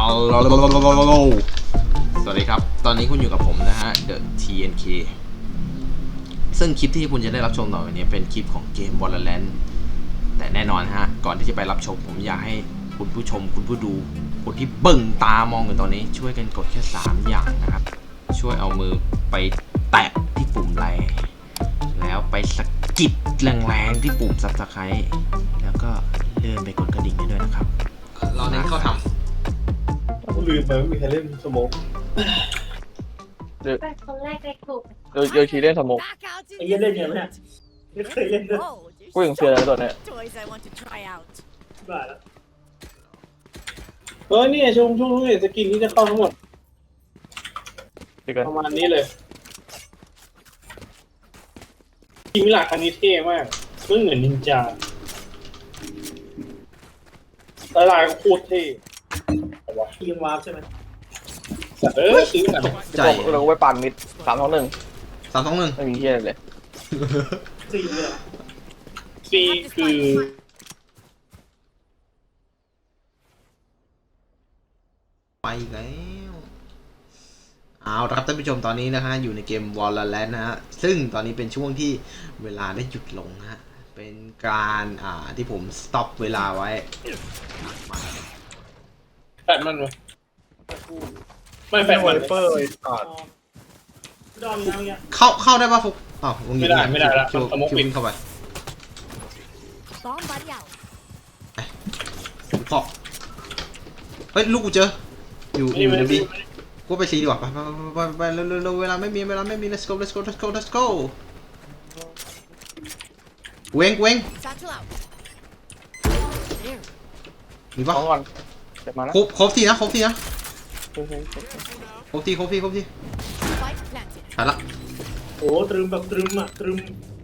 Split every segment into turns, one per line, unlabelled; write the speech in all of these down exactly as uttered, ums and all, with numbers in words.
สวัสดีครับตอนนี้คุณอยู่กับผมนะฮะ The ที เอ็น เค ซึ่งคลิปที่คุณจะได้รับชมต่อไปนี้เป็นคลิปของเกม Valorant แต่แน่นอนฮะก่อนที่จะไปรับชมผมอยากให้คุณผู้ชมคุณผู้ดูคนที่เบิ่งตามองอยู่ตอนนี้ช่วยกันกดแค่สามอย่างนะครับช่วยเอามือไปแตะที่ปุ่มไลค์แล้วไปสะกิดแรงๆที่ปุ่ม Subscribe แล้วก็เลื่อนไปกดกระดิ่งให้ด้วยนะครับเราเน้นเข้าทำ
ลืมไปไม่มีใครเล่นสโมก
เป็นคนแรกในกลุ่ม
โยโยชีเล่นสโมก
ไอ้เหี้ยเล่นยังไงเนี่ยไม่เคยเล่นเลย
กูยังเสียแล้วตัวเนี้ย
บ้าแล้วเออเนี่ยช่วงช่วงนี้สกินที่จะเข้าทั้งหมด
ดีกัน
ประมาณนี้เลยทีมหลักอันนี้เท่มากมันเหมือนนินจาตลาดก็โคตรเท่วะทีมวาร์ปใช่ไหมเออซื้อกัน
ใจ
เราก็ไปปั่นมิดสามสองหนึ่ง
สามสองหนึ่ง
ไม่มีเฮียเลย
ซีเลยซีคือ
ไปแล้วเอาละครับท่านผู้ชมตอนนี้นะฮะอยู่ในเกม Valorant นะฮะซึ่งตอนนี้เป็นช่วงที่เวลาได้หยุดลงนะฮะเป็นการอ่าที่ผมสต็อปเวลาไว้มา
แฟดมันไหมไม่แฟดมันเปอร์ไอ้สัตว์ดอมยังเนี่ย
เข้าเข้าได้ป่ะฟุกอ้าววง
ไม่ได้ไม่ได้ละ
คิว
สโมก
คิว
ปิด
เข้าไปขอเฮ้ยลูกกูเจออยู่อยู่ในบีกูไปซีดีกว่าไปไปไปไปเร็วเร็วเวลาไม่มีเวลาไม่มี let's go let's go let's go let's go เวงเวงมีป่ะ
สองก่อนเจ็บมานะ
ครบครบทีนะครบทีนะครบทีครบทีครบทีไปละ
โอ้ตรึมแบบตรึมอ่ะตรึม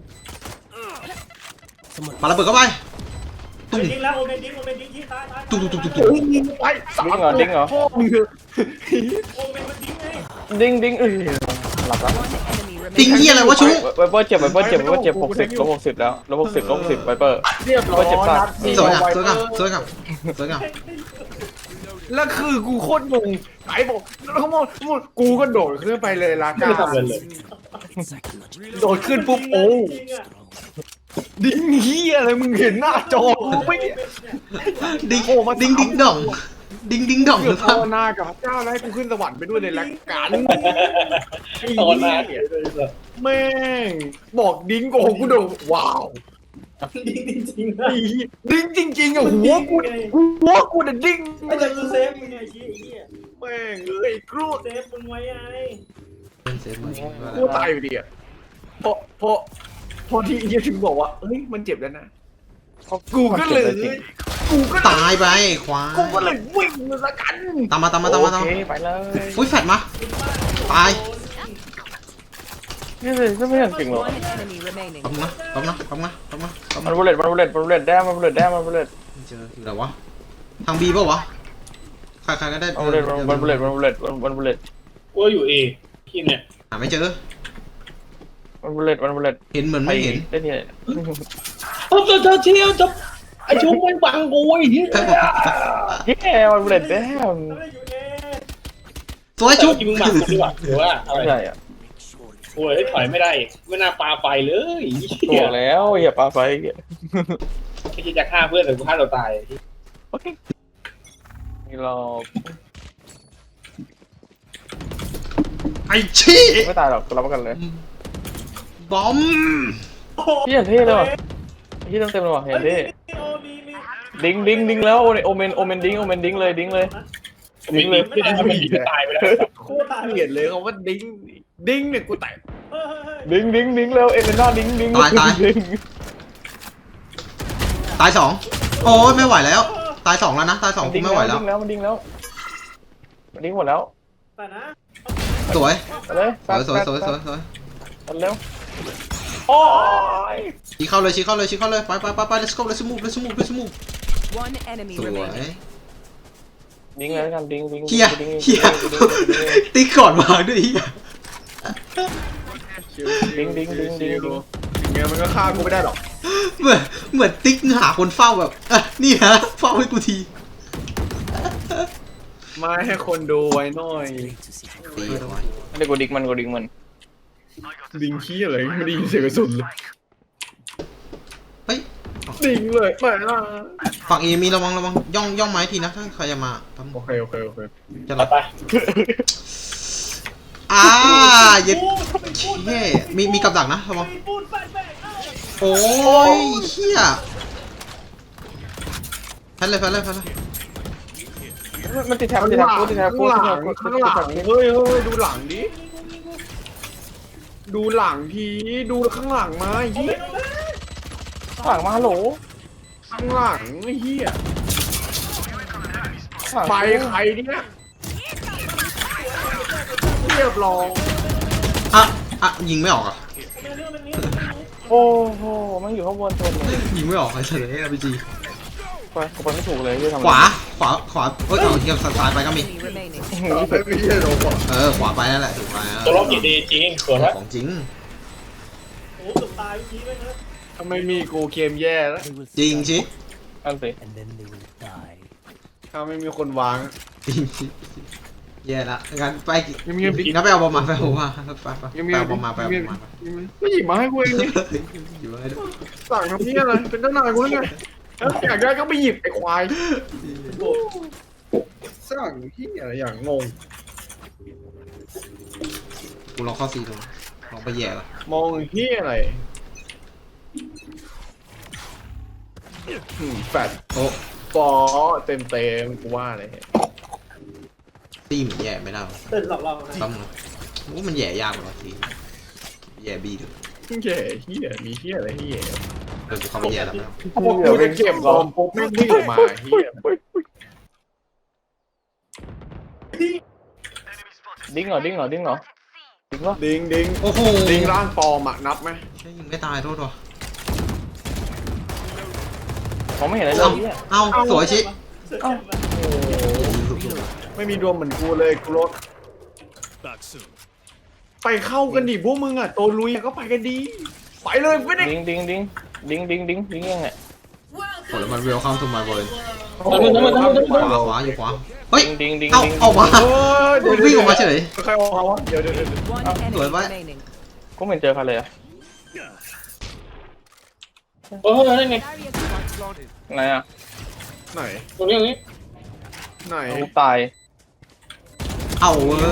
ปาระเบิดเข้าไปตุ้ม
ดิ้งแล้วโอเมนดิ้งโอเมนดิ้งที่ตายตาย
ตุ้มตุ้มตุ้มตุ้ม
ไป
ดิ้งเหรอดิ้งเหรอ
โอเมนมันดิ้งไง
ดิ้งดิ้งเออหลับแล้ว
ติงเหี้ยอะไรวะชู
ไวเปอร์เจ็บไวเปอร์เจ็บไวเปอร์เจ็บหกสิบลบหกสิบแล้วลบหกสิบลบหกสิบไวเปอร์
เรียบร้อย
เจ็บสัตว์
สวยงามสวยงามสวยงามสวยงาม
แล้วคือกูโคตรงงไอ้บอกแล้วเขาบอกกูก็โดดขึ้นไปเลยลา
ไม่
กา
ได้ทำอะไรเลย
โดดขึ้นปุ๊บโอ้ดิ้งเฮียอะไรมึงเห็นหน้าจอกูไม่เนี่ย
ดิงดิงดิงดองดิงดิงดองห
เกือ
รื
บ
อเปล่า
ภาวนากับพระเจ้าแล้วให้กูขึ้นสวรรค์ไปด้วยในรายการ
ตอนนั้น
แม่งบอกดิ้งโกกูโดดว้าว
ดิ้งจริงๆนะ
ไอ้เหี้ยดิ้งจริงๆอ่ะหัวกูหัวกูน่ะดิ้ง
ไม่จะกูเซฟมึงไงชี้ไอ้เหี้ย
แม่งเอ้ยกรูด
เซฟมึงไว้ไง
กูตายอยู่ดีอ่ะพอพอพอที่เฮียถึงบอกว่าเฮ้ยมันเจ็บแล้วนะกูก็เลยกูก็
ตายไปควาย
กูก็เลยวิ่งมาละกัน
ตามมาตามมาตามมาตาม
โอ
มา
เคไปเลย
อุ้ยแฟดมาตาย
นี่เลยไม่เห็นจริงหรอ
ตบนะตบนะตบนะตบนะตบ
มัน
นะ
บุลเลตมันบุลเลตมันบุลเลตแด้มันบุลเลตแด้มันบุลเลต
เจออยู่ไหนวะทางบีป่าวะใครใครก็ได้
มันบุลเลตมันบุลเลตมันบุลเลตมันบุลเลต
กูอยู่เอพี่เนี่ย
หาไม่เจอ
มันบุลเลตมันบุลเลต
เห็นเหมือนไม่เห็น
ได้ที่ไหน
เออเธอเที่ยวจะไอชุบมันบังกูไอ้เหี้ย
แย่มันบุลเลตแด้
สวยจุ๊บ
กินมึงบังกูดีกว่าหรือว่าอะไร
ใช่อ่ะ
โอ้ยถอยไม่ได้ไม่น่าปาไฟเลย
บ
เหี้ย
อกแล้วอย่าปาไฟ
ไอ้ที่จะฆ่าเพื่อนหรือฆ่าเราตาย
โอเคนี่เรา
ไอชี้
ไม่ตายหรอกรับประกันเลย
บอม
พี่อย่างเท่เลยว่ะพี่เต็มเต็มเลยว่ะอย่างเท่ดิ้งดิ้งดิ้งแล้วโอเมนโอเมนดิ้งโอเมนดิ้งเลยดิ้งเลย
ดิ้งเลยไม่ได้ไม่ได้ตายไปแล้ว
โคตรเกลียดเลยเขาว่าดิ้งดิ้งเนี่ยกูแตก
ดิ้งดิ้งดิ้งแล้วเอเลน่าดิ้งดิ้ง
ตายตายตายสองโอ้ยไม่ไหวแล้ว ตายสองแล้วนะตายสองกูไม่ไหวแล้ว
ดิ้งแล้วมันดิ้งแล้วมันดิ้งหมดแล้ว
แต่นะ
สวย
ไปเลย
สวยสวยสวยสวยสวย
ไปเร็วโอ้ย
ชี้เข้าเลยชี้เข้าเลยชี้เข้าเลยไปไปไปไป let's go let's move let's move let's move สวย
ดิ้งเลยกันดิ้งดิ้ง
เฮียเฮียติ๊กก่อนวางด้วยเฮีย
ดิ้งดิ้งดิ้งดิ้งดิ้ง
อย่างเงี้ยมันก็ฆ่ากูไม่ได้หรอก
เหมือนเหมือนติ๊กหาคนเฝ้าแบบอ่ะนี่ฮะเฝ้าให้กูที
มาให้คนดูไว้หน่อย
ตีเอาไว้
เดี๋ยวกูดิกมันกูดิกมัน
ดิงขี้อะไรไม่ได้ยินเสียงกระสุนเลย
เฮ้ย
ดิงเลยมา
ฝั่งเอมีระวังระวังย่องย่องไม้ทีนะถ้าใครจะมาปั๊ม
โอเคโอเคโอเค
จะรับ
ไป
อ่าเย็ดเย่มีมีกับดักนะระวังโอ้ยเฮียแพนเลยแพนเลยแพนเลย
มันติดแถบมันติดแถบกูติดแถบกู
ข้าง
ติด
ห
แถ
ลั
บ
ง
กู
ข้างหลังเฮ้ยเฮ้ยดูหลังดิดูหลังทีดูข้างหลังมาเฮีย
ข้างหลังมาฮัลโหล
ข้างหลังเฮีย
ข้างหลัง
ไปใครเนี่ยเรียบร้อย
อ่ะอ่ะยิงไม่ออกอ่ะ
โอ้โหมันอยู่ข้างบนชนเลย
ยิงไม่ออกเฉยๆอาร์พีจี
ไปกูไปไม่ถูกเลยที่ทำ
ขวาขวาขวาเฮ้ยเอาเทียบซ้ายไปก็มี
ไม่ใช่โดนก่อน
เออขวาไปนั่นแหละถูกไปนะ
ตัวล็อกกี่ดีจริงสวยไหม
ของจริง
ทำไมมีกูเกมแย่แล้ว
จริงชิ
อันสิ
ถ้าไม่มีคนวาง
จริงชิแย่ละงั้นไป
ยังมียังมี
งั้นไปเอาบอมมาไปเอาบอมมาไปไปไป
ยังมี
เอาบอมมาไปเอาบอมมาไป
ไม่หยิบมาให้กูเองนี่
อยู่ไงด้วย
สั่งทำนี่อะไรเป็นเจ้านายกูแล้วไงแล้วอยากได้ก็ไปหยิบไอ้ควายสั่งที่อะไรอย่างงง
กูลองเข้าซีดูลองไปแย่ละ
มองที่อะไรอืมแฟด
โอ้
ฟอเต็มเต็มกูว่าเลย
ตีมันแย่ไม่ได้หรอ
เต้นหลอกเรา
ซ้ำเลยโอ้มันแย่ยากกว่าทีแย่บีดู
เหี้ยเหี้ยมีเหี้ยอะไรเหี้ย
เดี๋ยวกูเข้าไปแย่แล้วไม่เอา
พวกกูจะเก็บบอมปุ๊บไม่งวิ่งออกมาเหี้ย
ดิ้งเหรอดิ้งเหรอดิ้งเหรอดิ้งเหรอ
ดิงดิง
โอ้โห
ดิงร่างปลอมอะนับไหม
ใช่ยิงไม่ตายโทษว่ะ
มองไม่เห็นอะไรเล
เอ้าย
เนี่ย
เอ้าสวยชิ
เอ้า
ไม่มีดวงเหมือนกูเลยกูรถไปเข้ากันดิพวกมึงอะโตลุยก็ไปกันดีไปเลยไม่ได้
ดิ้งดิ้งดิ้งดิ้งดิ้งดิ้งดิ้งยังไง
โอ้แล้วมันเวลคัมทูมาบอล
โอ้โห
ขวาขวาอยู่ขวาเฮ้ย
ดิ้งดิ้ง
เอ้า
ดิ้ง
ออกมา
เออเดี๋ยว
วิ่งออกมาเฉย
ใครออกมาวะเดี๋ยวเดี๋ยวเดี๋ยว
สวยไหม
กูไม่เห็นเจอใครเลยอะ
เออนั่นไง
ไหนอะ
ไหน
ตรงนี้ตรงนี้
ไหน
กูตาย
เอาเว้ย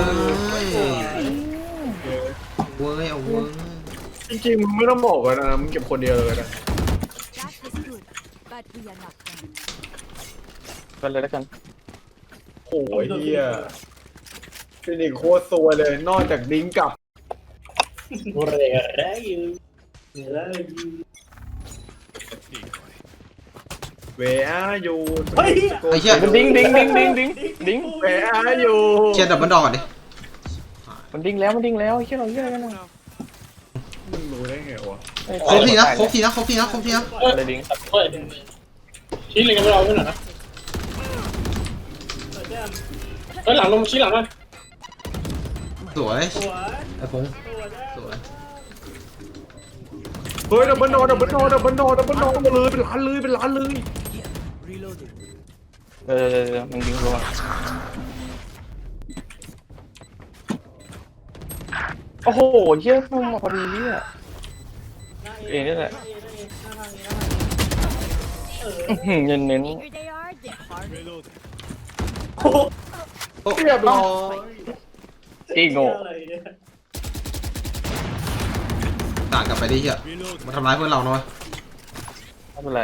เว้ยเอาเว้ย
จริงๆมึงไม่ต้องบอกกันนะมึงเก็บคนเดียวเลยนะ
กันเลยแล้วกัน
โอ้ยเฮียเป็นอีกโคตรซวยเลยนอกจากดิ้งกับ
เรไรอยู่เรอยู่
เวอาอยู่
เฮ้ย
ไอ้เชี่ย
ดิ้งดิ้งดิ้งดิ้งดิ้งดิ้ง
เวอาอยู่
เชี่ยดับเบิลดอกก่อนดิ
มันดิ้งแล้วมันดิ้งแล้วเชี่ยเราเชี่ยอะไรกันนะ
มึงรู้ได้ไงวะ
ครบทีนะครบทีนะครบทีนะครบทีนะ
อะไรดิ้ง
เฮ้ยชี้เลยกันไม่เราไม่หน่อยนะเฮ้ยหลังลงชี้หลังมัน
สวยไอ้พงสวย
เฮ้ยดับเบิลโนดับเบิลโนดับเบิลโนดับเบิลโนมาเลยเป็นล้านเลยเป็นล้านเลย
เออมันดิ้งรัวโอ้โหเชี่ยพุ่งมาพอดีเนี่ยเองนี่แหละเน้นเน้น
เรียบร้อย
อีโง่
ต่างกลับไปดิเชี่ยมาทำร้ายเพื่อนเราหน่อย
ไม่เป็นไร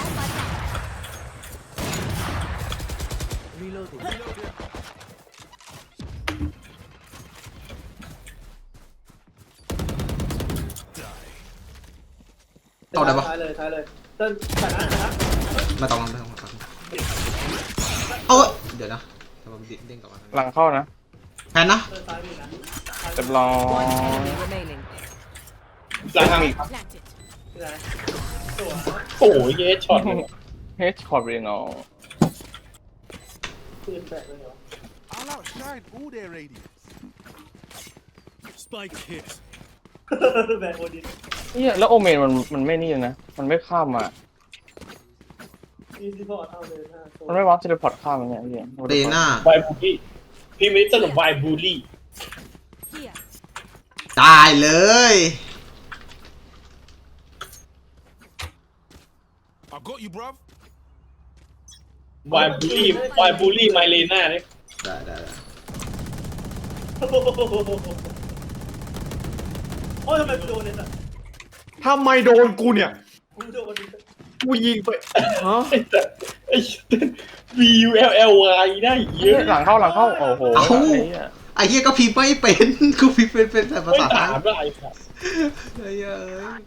เอาได้ปะ
ท้ายเลยท้ายเลยเต้นชนะชนะ
ไม่ต้องไม่ต้องไม่ต้องเอาเว้ยเดี๋ยวนะเดี๋ยวผมเด้งกลับมา
หลังเข้านะ
แพนนะ
เต้นซ้ายมีนะ
เรียบร้อย
หลังทางอีกโอ้ยเยสช็อต
เฮดคอร์บรีนอล
ปืนแตกเลยเหรอ
I'll outshine all their radiance. Spike hit.
แบกโอดิน
เนี่ยแล้วโอเมนมันมันไม่นี่เลยนะ มันไม่ข้ามมามันไม่วาร์ปเทเลพอร์ตข้ามมันเนี่ยพี่
เดน่า
ไวบูลี่พี่ไม่สนุกไวบูลี่
ตายเลย
I got you, bruv.
ไวบูลี่ไวบูลี่ไมเลน่าเนี่ย
ได้ได้ได้
โอ้ยทำไมกูโดนเนี่ย
ทำไมโดนกูเนี่ย
กูโดน
กูยิงไปฮะ
ไอ้แต่ไอ้ V U L L Y ได้เยอะ
หลังเข้าหลังเข้าโอ้โห
ไอ้เหี้ยก็พิมพ์ไม่เป็น กูพิมพ์เป็นเป็นแต่ภา
ไม่
ษาไท
ถาย มได้ครับ
ไอ้เหี้ยเอ้ย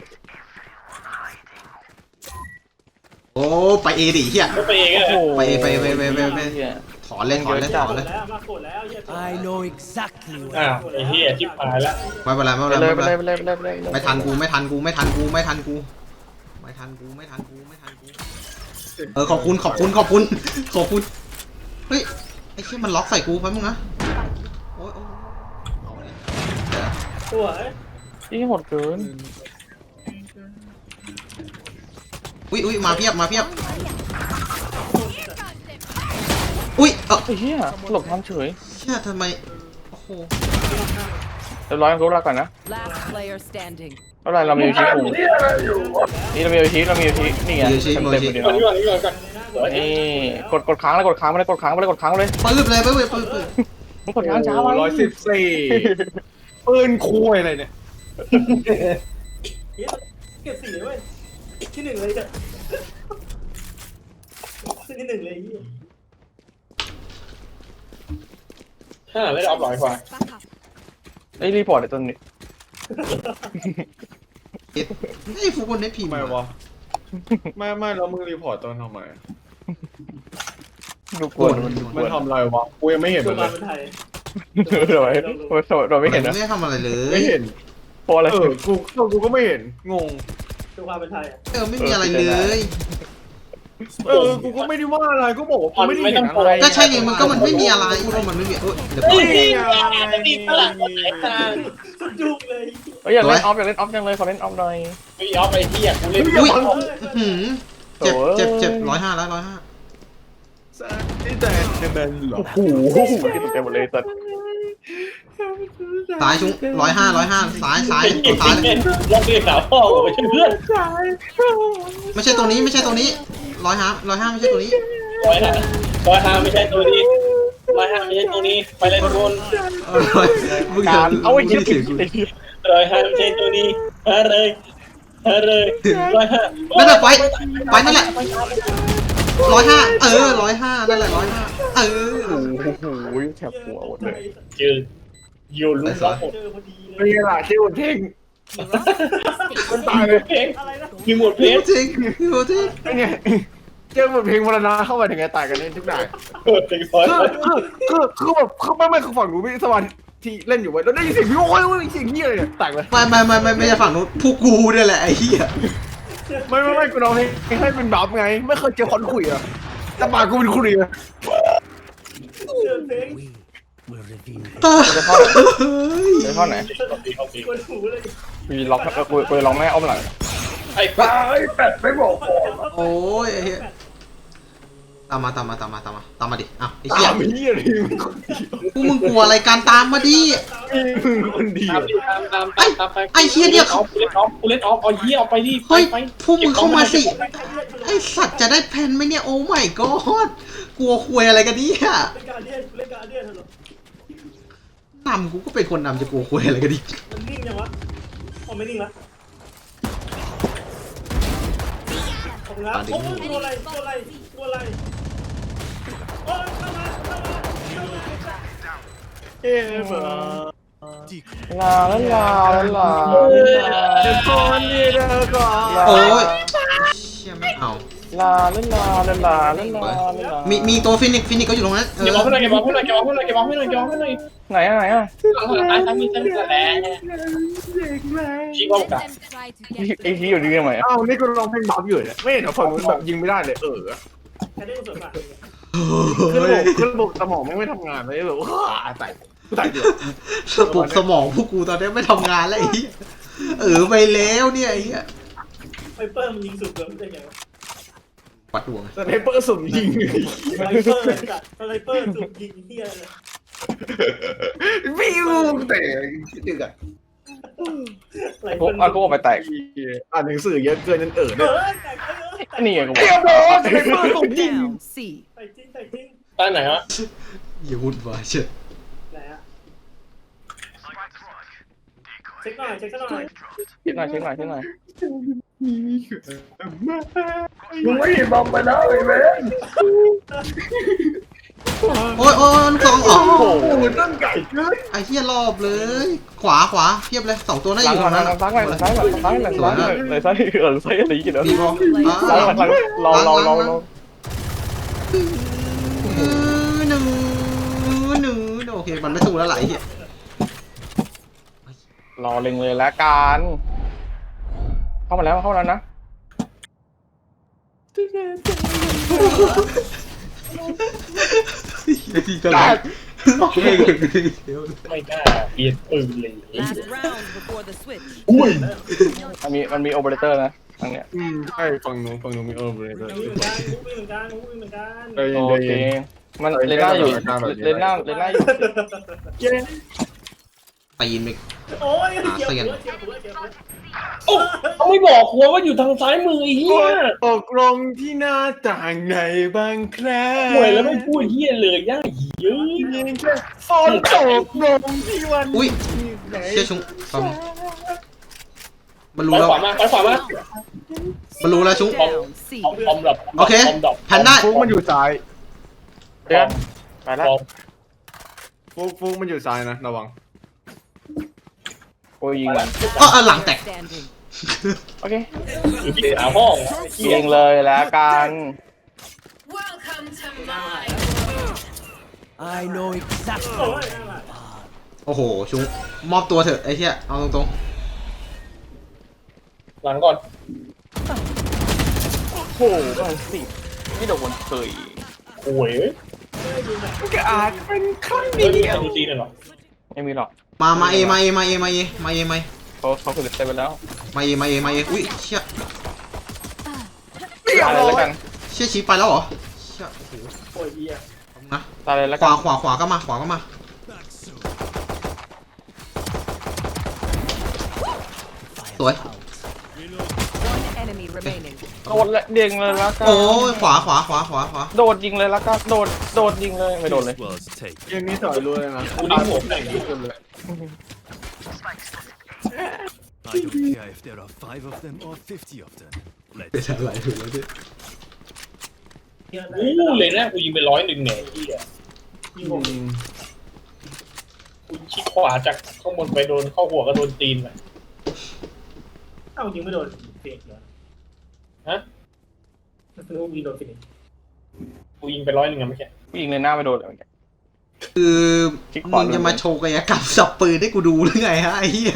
โอ้ไปเอดิเหี้ย
ก็ไปเองอะ
ไปไปไปไปไปไป ถอนเลยถอนเลยถอนเลย
แล้วมาโกรธแล้วเหี้ย
I know exactly
อ้าวไอ้เหี้ยชิบหายแล้ว
ไม่เป็นไรไม่
ไป
เป็นไร
เลย
ไม่
ไป
เป็น
เล
ไร
ยไปเลยไปเลยไปเลย
ไม่ทันกูไม่ทันกูไม่ทันกูไม่ทันกูไม่ทันกูไม่ทันกูไม่ทันกูเออขอบคุณขอบคุณขอบคุณขอบคุณเฮ้ยไอ้เชี่ยมันล็อกใส่กูแป๊บนึงนะโอ้ยโอ้ยเอาเลย
ตัวไอ้
นี่โหดเกิน
อุ้ยอุ้ยมาเพียบมาเพียบอุ้ยเออ
ไอ้เหี้ยหลบทันเฉย
เชี่ยทำไมโอ้โห
เรียบร้อยกูรักก่อนนะ
last player standing.
เท่าไรเรามีอยู่ที่กูนี่เรามีอยู่ที่เรามีอยู่ที่นี่ไงเต็มเต็มเลย
ก่อนก่อนก่อนก่อน
นี่กดกดค้างแล้วกดค้างไม่ได้กดค้างไม่ได้กดค้างเลย
ปื๊บเลยปื๊บเลยปื๊บปื๊บ
มึงกดค้างช้าไป
ร้อยสิบสี่ปืนคุยอะไรเนี่ย
เก็บสี่เลยเว้ยที่หนึ่งเลยจ้ะที่หนึ่งเลยยี่ห้าไม่ได้ออฟหลอยกว่า
ไอ้รีพอร์ตไอ้ต้นนี้
ไอ้ฟูคนได้พิมพ์
ทำไมวะไม่ไม่แล้วมึงรีพอร์ตตอนทำไม
ดูกวนมันดูก
มัน
วน
ทำอะไรวะกูยังไม่เห็น
ตัว
มันเล
มาย เป็นไทย
เราไม่เราไม่เห็นนะ
ไม่ได้ทำอะไรเลย
ไม่เห็น
เพราะอะไร
เออกูกูก็ไม่เห็นงง
ตัวมาเป็นไทยอ่ะ
เออไม่มีอะไรเลย
เออกูก็ไม่ได้ว่าอะไรก็บอกว่ากูไม่ได้เห็นอะไร
ก็ใช่ไงมันก็มันไม่มีอะไรก็มันไม่มีเอ้ยเดี๋ยวก่อน
นี่ไง
ตีตลาดคนไหนทางสุดยุกเลย
เฮ้ยอยากเล่นออฟอยากเล่นออฟจังเลยขอเล่นออฟหน่อย
ไม่ออฟไอ้ที่อยากกูเล่น
อุ้ยหืมเจ็บเจ็บเจ็บร้อยห้าแล้วร้อยห้า
นี่แต่เป็นเหรอ
โอ้โหที่ตกใจหมดเลยสัตว์
ซ้ายชุ้งร้อยห้าร้อยห้าซ้ายซ้ายตัวซ้ายเลย
ลองเรียกสาวพ่อผมไปช่วยเพื่อน
ไม่ใช่ตัวนี้ไม่ใช่ตัวนี้ร้อยห้าร้อยห้าไม่ใช่ตัวนี้
ร้อยห้าร้อยห้าไม่ใช่ตัวนี้ร้อยห้าไม่ใช่ตัวนี้ไปเล่นบน
เออร้อยมึง
การ
เดี๋ยว
เอาไอ้เหี้ย
เสียงกู
ร้อยห้าไม่ใช่ตัวนี้ฮะเลยฮะเลยร้อยห้า
นั่นแหละไปไปนั่นแหละร้อยห้าเออร้อยห้านั่นแหละร้อยห้าเออ
โอ้โหแฉบหัวหมดเลย
เจอโยนลูกล็อกหมด
นี่แหละชื่อเท่ง
มันตายเลยเพลงมีหมดเพล
พี่
ง
จริงพี่จริง
ไงเจอบทเพลงมรณะเข้ามาถึงไงตายกันเล่นทุกนาย
เปิดเพลงร้อย
คือคือคือแบบคือไม่ไม่คือฝั่งหนูมีสมาธิเล่นอยู่ไว้แล้วได้ยินเสียงพี่โอ้ยเสียงเฮียอะไรเนี่ยแตกเลย
ไม่ไม่ไม่ไม่ไม่ใช่ฝั่งนู้นพวกกูเนี่ยแหละไอ้เหี้ย
ไม่ไม่ไม่กูร้องเพลงให้เป็นบัฟไงไม่เคยเจอคนคุยอ่ะแต่ปากกูเป็นคุยอะ
เจอเพลง
Will reveal.
จะเข้าจะเข้าไหน
กวนหูเลย
มีล็อกเออกูกูล็อกแม่อ้อมหลัง
ไอ้
ตายแปดไม่บอก
โอ้ยไอ้เหี้ยตามมาตามมาตามมาตามมาตามมาดิอ้าวไอ้เหี้ย
ตามเฮียเลยมึงคนเดียว
พวกมึงกลัวอะไรการตามมาดิ
มึงคนเดีย
ตาว มตามตามตามไป
ไอ้เหี้ยเนี่ย
ออฟเล่นออฟเล่นออฟเอาเหี้ยเอาไปดิ
เฮ้ย
ไป
พวกมึงเข้ามาสิไอ้สัตว์จะได้แพนไหมเนี่ยโอ้ my god กลัวคุยอะไรกันเนี่ย
เล่นการเดียนเล่นการเดียนเหรอน
ำกูก็เป็นคนนำจะกลัวคุยอะไรกันดิ
มันนิ่งยังวะอ๋อไม่นิ่งละขอบคุณครับโอ้ตัวอะไรตัวอะไรตัวอะไรโอ้ยเข้ามาเข้ามาเข้ามา
เอ๊ะเบอ
ลาลาลาลา
เดี๋ยวก่อนนี่เดี๋ยวก่อน
โอ้ยเชี่ยไม่เอา
ลาลาลาลาลาลาลา
มีมีตัวฟินิกฟินิกก็อยู่ตรงนั้นเอ
เก็บ
อบ
อลให้หน่อยเก็บอลให้หน่อยเก็บอลให้หน่อยเก็บอลให้หน่อยเก็บอลให้หน่อย
ไหนอะไหนอะ
หลังหลังตายซ้ำมีซ้ำมีแหละชี้ว่ากัน
ไอ้ที่อยู่ดีทำไมอะ
อ้าวนี่กูร้องเพลงบัฟอยู่เนี่ยไม่เห็นเหรอฝั่งนู้นแบบยิงไม่ได้เลยเออ
แค่ได้ส่วนมาก
คือระบบคือระบบสมองไม่ไม่ทำงานเลยแบบว้าตายตายเดียว
ระบบสมองพวกกูตอนนี้ไม่ทำงานแล้วไอ้เหี้ยเออไปแล้วเนี่ยไอ้เหี้ย
ไวเปอร์มันยิงสุดเลยได้ไงวะ
ไปวัดดวง
สไนเปอร์สุ่มยิง
สไนเปอร์จัดสไนเปอร์จุดยิงเฮียเลย
วิวแต่คิดดึกอ่ะ
พวกเอาพวกไปแตก
อ่านหนังสือเยอะเกินจนเอ่อ
เอ
เนี่ย
อแต่เออแต่
นี่ไงกูบ
เรีย
อบ ก
ร้อยสไนเปอร์สุ่มยิง
Down. C.
ใส่จริงใส่จริง
ใต้ไหนวะ
อย่าวุ่นวายเชิด
ไหนอะเช็คหน่อยเช็คหน่อย
เช็คหน่อยเช็คหน่อยเช็คหน่อย
มึงไม่บอมไปแล้วไอ้เว้ย
โอ้ยโอ้ยลูกสองอ๋อ
โอ้โหต้นไก่เกิน
ไอ้เหี้ยรอบเลย ขวาขวาเพียบเลยสองตัวน่า
ห
อ
ลัง
ยู่
ห
ตรง
ลั
นั้
ง
น
หลังซ้ายหลังซ้ายหลังซ้ายหลังซ้ายหลังซ้ายหลังซ้ายเออซ้ายอะไรกันเนาะ
ดีพอ
หลังหลังหลังเราเราเราเรา
หนึ่งหนึ่งโอเคมันไม่สู้แล้วไหลเหี้ย
รอเล็งเลยละกันเข้ามาแล้วเข้ามาแล้วนะ
ดีกันเลย
ไม่กล้าเปลี่ยนปืนเลย
Last round before the switch.
มันมีมันมีโอเปอเรเตอร์นะทางเนี้ย
อืมใช่ฝั่งนู้นฝั่งนู้นมีเออเลย
มีเหมือนกันมีเหมือนกันมีเหมือนกัน
เออ
โอเคมันเลน่าอยู่เลน่าเลน่าอยู่
ตีนไป
โอ้ยเจ็บหัวเจ็บหัวเจ็บหัว
โอ้เขาไม่บอกหัวว่าอยู่ทางซ้ายมือไอ้เหี้ย
ตกลงที่หน้าต่างในบางแคร
ห่วยแล้วไม่พูดเหี้ยเลยย่าเยอะ
ฝนตกลงที่วัน
อุ้ย
ไหน
เชี่ยชุงฟังมัน
ไป
รู้แล้ว
ขวามาไปขวามา
มันรู้แล้วชุง
Down. C.
ออมออมดับ
โอเค
อมดับ
แพนด้า
ฟุกมันอยู่ซ้าย
เดี๋ยวไปแล้ว
ออม
ฟุกฟุกมันอยู่ซ้ายนะระวัง
โอ้ยยิงมัน
ก็เอาหลังแตก
Standing.
โอเค
อยู่ที่ขาห้องเหี้ย
ยิงเลยละกัน
I know exactly.
โอ้ยนั่นแหละ
โอ้โหชุงมอบตัวเถอะไอ้เหี้ยเอาตรง
หลังก่อน
โอ้โหมันสิไม่โดนเคย
ห่วยเอ้ย
ก็อาจเป็นครั้ง
เฮ้ย
เดี
มี
ยว
ซีซีหน่อยเหรอ
ไม่มีหรอก
ๆมามาเอมาเอมาเอมาเอมาเอมาเอ
เขาเขาคือเต็มไปแล้ว
มาเอมาเอมาเออุ้ยเชี่ย
เรียบ
ตาย
ร้
เลย
อ
แล้ว
ย
กัน
เชี่ยชี้ไปแล้วเหรอเชี่ยโอ้โห
โอ้ยเฮีย
นะ
ตายเลยแล้ว
ข
กั
วาน ขวาขวาก็มาขวาก็มาสวย
One enemy remaining.
โดดและเด้งเลยละกัน
โอ้ยขวาขวาขวาขวาขวา
โดดยิงเลยละกันโดดโดดยิงเลยไม่โดนเลย
Was take.
เกมนี้ถอยรู้เลยนะ
กูดิ้งหัวไหน
ทุกคนเลย
I don't care if there are five of them or fifty of them.
เป็น
Let's
อะไรถูกแล้วดิ
อู้เลยนะกูยิงไปร้อยหนึ่งเนี่ยไอ้เหี้ย
ยิงผม
อืม
กูชิดขวาจากข้างบนไปโดนเข้าหัวก็โดนตีนไป
เอ้ายิงไม่โดนเสียเหรอ
ฮะ
รู้ยิงโดนฟินิช
กูยิงไปร้อยหนึ่งอะเมื่อกี้
ยิงเลยหน้าไม่โดนเลย
คือ
คลิกขวา
มึงจะมาโชว์กายกรรมสับปืนให้กูดูหรือไงฮะไอ้เหี้ย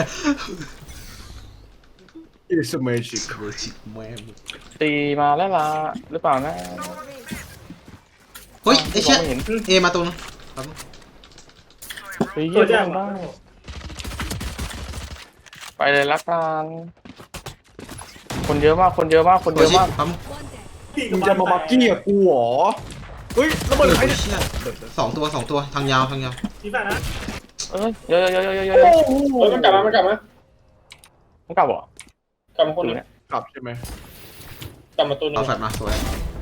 อิสเมจิก
โคชิแม่ง
ตีมาแล้วล่ะหรือเปล่านะ
เฮ้ยไอ้เชี่ย
มงไม่เห็น
เอมาตรงนึง
เฮ้ย
ตัว
เยี่
แจ้
ย
ง
มได้ไปเลยละกันคนเยอะมากคนเยอะมากคน
โค
เยอะ
ชิ
มาก
ปั๊ม
มึงจะมาบักกี้กับกูเหรอเฮ้ยระเบิดใครเนี่ย
เชี่ยสองตัวสองตัวทางยาวทางยาว
ทีแฟนนะ
เอ้ยเยอะเยอะเยอะเยอะเยอะ
โอ้โห
เฮ้ยมันกลับมามันกลับมา
มันกลับเหรอก
ลับมาคน
ดู
นึง
เนี่ย
กลับใช่ไหม
กลับมาตัวนึ
เอา
ง
แฟลชมาสวย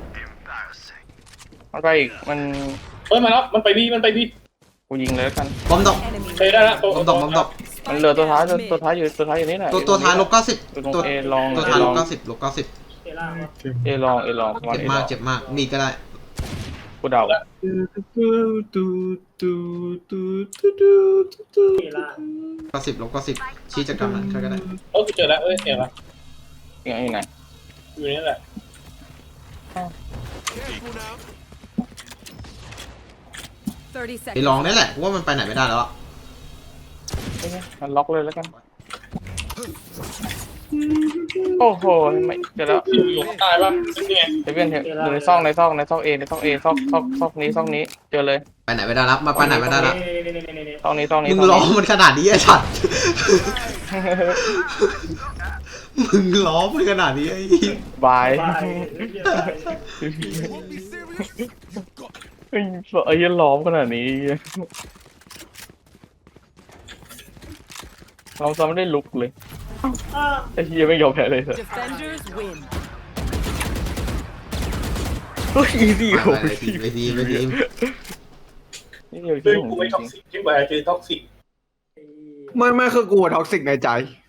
มันไปอีกมัน
เฮ้ยมาแล้วมันไปบีมันไปบี
กูยิงเลยละกัน
บอมดอก
Enemy.
ไปได้แล้วตัว
บอมดอกบอมดอก
มันเหลือตัวท้ายตัวตัวท้ายอยู่ตัวท้ายอยู่นี่แหละ
ตัวตัวท้ายลบเก้าสิบ
อยู่ตรง
ตัว
เอลอง
ตัว
เอ
ท้าย
ล
ล
อบ ง
เก้าสิบลบเก้าสิบ
เอล่างวะ
เอลองเอลองวัน
เจ็บ
เอล
มา
อก ง
เจ็บมากมีก็ได้
กูเดา
ตูตูตูตูตูตูตูตู
เอล่าง
เก้าสิบลบเก้าสิบชี้จักรมันใครก็ได้
เออกูเจอแล้วเอ้ยเห็นละ
ยังไงอยู่ไหน
อยู่นี่แหละ
Careful now.
Thirty
ไป
seconds.
ลองนี่แหละว่ามันไปไหนไม่ได้แล้วอะ
เอ้ยมันล็อกเลยแล้วกันโอ้โหไม่เดี๋ยวแล้ว
อยู่อยู่ข้างใต้ปะนี่ไง
เดี๋ยวเพื่อนเถอะอยู่ในซอกในซอกในซอกเอในซอกเอซอกซอกซอกนี้ซอกนี้เจอเลย
ไปไหนไม่ได้แล้วมาไปไหนไม่ได้แล้ว
นี่นี่นี่นี่นี่
ซอกนี้ซอกนี้
มึง
ซอก
รอ
นี้
มันขนาดนี้ไอ้สัตว์มึงล้อมขนาดนี้ไอ้เหี้ย
บาย
ไปเหี้ยไป
ไอ้ไอ้เหี้ยล้อมขนาดนี้เราซ้ำไม่ได้ลุกเลย
อ่า
ไอ้เหี้ยไม่ยอมแพ้เลยเถอะ
Defenders win.
เฮ้ยอีซี่
ไป
โอ้
ไปทีมไปทีมไปทีม
นี่เดียว
เฮ้
ที่
ย
ผม
กูไม่ท็อกซิกใช่ไหมเจอท็อกซิก
ไม่ไม่คือกูท็อกซิกในใจ